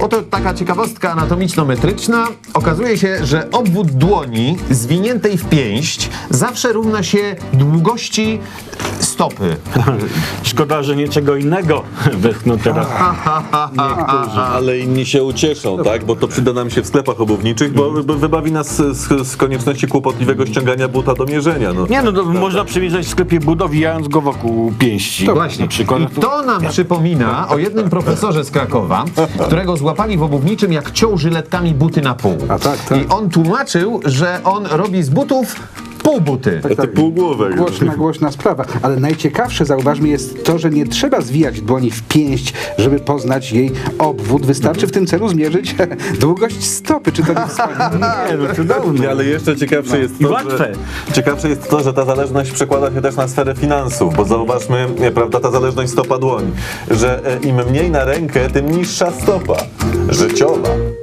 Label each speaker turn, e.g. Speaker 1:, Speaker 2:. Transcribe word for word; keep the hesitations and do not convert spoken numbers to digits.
Speaker 1: Oto taka ciekawostka anatomiczno-metryczna. Okazuje się, że obwód dłoni zwiniętej w pięść zawsze równa się długości stopy.
Speaker 2: Szkoda, że niczego innego wepchną teraz.
Speaker 3: Ale inni się ucieszą, tak? Bo to przyda nam się w sklepach obuwniczych, bo bo wybawi nas z, z konieczności kłopotliwego ściągania buta do mierzenia. No.
Speaker 2: Nie no, to można przymierzać w sklepie but, owijając go wokół pięści.
Speaker 1: To właśnie.
Speaker 2: Na przykład.
Speaker 1: I to nam przypomina o jednym profesorze z Krakowa, którego złapali w obuwniczym, jak ciął żyletkami buty na pół.
Speaker 4: A tak, tak.
Speaker 1: I on tłumaczył, że on robi z butów pół buty.
Speaker 3: To półgłówek.
Speaker 4: Głośna, głośna sprawa. Ale najciekawsze, zauważmy, jest to, że nie trzeba zwijać dłoni w pięść, żeby poznać jej obwód. Wystarczy w tym celu zmierzyć długość stopy. Czy to nie wspaniale?
Speaker 2: Nie, no cudowne.
Speaker 3: Ale jeszcze ciekawsze jest
Speaker 2: I
Speaker 3: to,
Speaker 2: łatwe.
Speaker 3: że, ciekawsze jest to, że ta zależność przekłada się też na sferę finansów, bo zauważmy, e, prawda, ta zależność stopa-dłoń, że e, im mniej na rękę, tym niższa stopa życiowa.